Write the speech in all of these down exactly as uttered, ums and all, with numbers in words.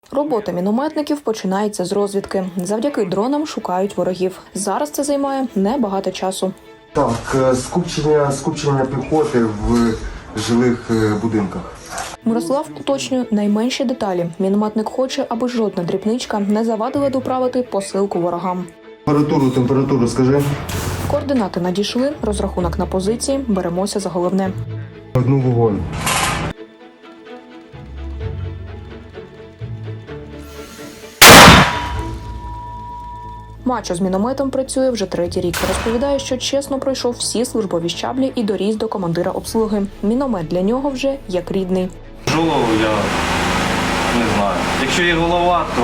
Робота мінометників починається з розвідки. Завдяки дронам шукають ворогів. Зараз це займає небагато часу. Так, скупчення, скупчення піхоти в жилих будинках. Мирослав уточнює найменші деталі. Мінометник хоче, аби жодна дрібничка не завадила доправити посилку ворогам. Температуру, температуру скажи. Координати надійшли, розрахунок на позиції, беремося за головне. Одну вогонь. Мачо з мінометом працює вже третій рік. Розповідає, що чесно пройшов всі службові щаблі і доріс до командира обслуги. Міномет для нього вже як рідний. Голову я не знаю. Якщо є голова, то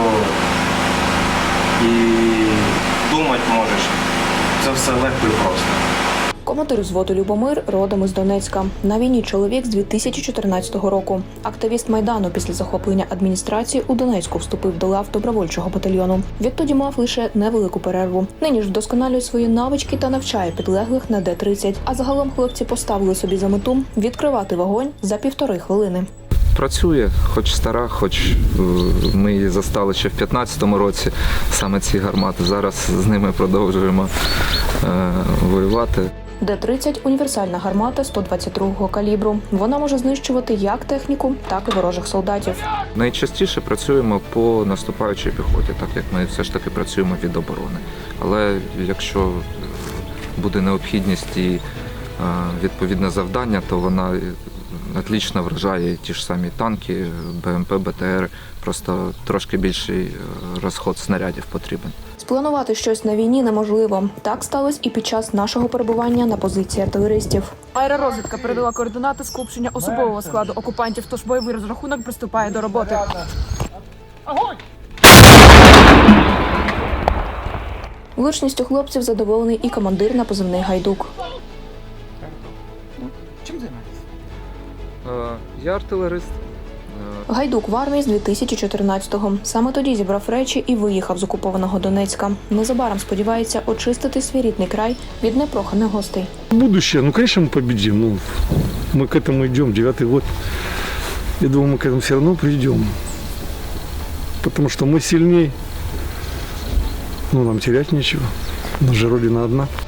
і думати можеш. Це все легко і просто. Командир взводу Любомир родом із Донецька. На війні чоловік з дві тисячі чотирнадцятого року. Активіст Майдану після захоплення адміністрації у Донецьку вступив до лав добровольчого батальйону. Відтоді мав лише невелику перерву. Нині ж вдосконалює свої навички та навчає підлеглих на Д тридцять. А загалом хлопці поставили собі за мету відкривати вогонь за півтори хвилини. Працює, хоч стара, хоч ми її застали ще в п'ятнадцятому році, саме ці гармати. Зараз з ними продовжуємо е, воювати. Д тридцять – універсальна гармата сто двадцять другого калібру. Вона може знищувати як техніку, так і ворожих солдатів. Найчастіше працюємо по наступаючій піхоті, так як ми все ж таки працюємо від оборони. Але якщо буде необхідність і е, відповідне завдання, то вона отлично вражає ті ж самі танки, Б М П, Б Т Р, просто трошки більший розход снарядів потрібен. Спланувати щось на війні неможливо. Так сталося і під час нашого перебування на позиції артилеристів. Аеророзвідка передала координати скупчення особового складу окупантів, тож бойовий розрахунок приступає до роботи. Влучністю хлопців задоволений і командир на позивний «Гайдук». Чим займаєтесь? Я артилерист. Гайдук в армії з дві тисячі чотирнадцятого. Саме тоді зібрав речі і виїхав з окупованого Донецька. Незабаром сподівається очистити свій рідний край від непроханих гостей. Будущее, ну, конечно, мы победим. Ну, мы к этому идем, девятый год. Я думаю, мы к этому все равно придем. Потому что мы сильнее. Ну, нам терять нечего. У нас же Родина одна.